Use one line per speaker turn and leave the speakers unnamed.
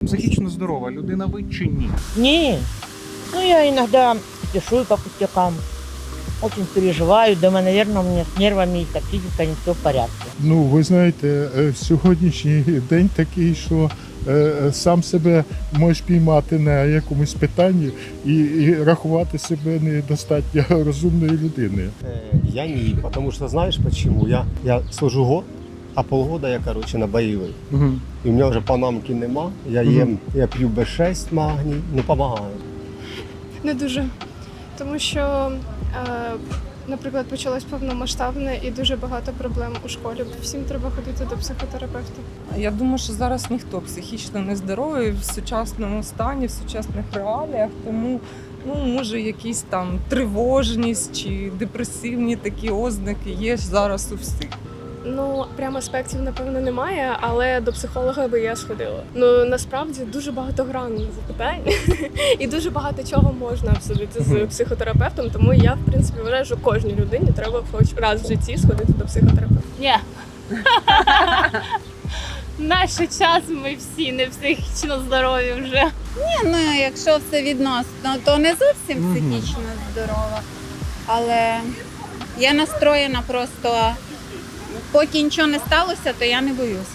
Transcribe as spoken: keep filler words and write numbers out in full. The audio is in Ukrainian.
Психічно здорова людина ви чи ні?
Не, ну я иногда пишу по пустякам. Очень переживаю, думаю, наверное, у меня с нервами и так физика не все в порядке.
Ну, ви знаєте, е, сьогоднішній день такий, що е, сам себе можеш піймати на якомусь питанні і, і рахувати себе недостатньо розумною людиною.
Э, Я не, потому что знаешь почему? Я, я служу год, а полгода я, короче, на боевой.
Угу.
І у мене вже панамки нема, я
Мгм.
їм, я п'ю Б шість магній, ну допомагає.
Не дуже. Тому що, е, наприклад, почалось повномасштабне і дуже багато проблем у школі. Всім треба ходити до психотерапевта.
Я думаю, що зараз ніхто психічно не здоровий в сучасному стані, в сучасних реаліях, тому ну, може якісь там тривожність чи депресивні такі ознаки є зараз у всіх.
Ну, прямо аспектів, напевно, немає, але до психолога би я сходила. Ну, насправді, дуже багатогранне запитання і дуже багато чого можна обсудити з психотерапевтом, тому я, в принципі, вважаю, що кожній людині треба хоч раз в житті сходити до психотерапевта.
Ні. В наш час ми всі не психічно здорові вже.
Ну, якщо все відносно, то не зовсім
Мгм.
психічно здорова. Але я настроєна просто, поки нічого не сталося, то я не боюсь.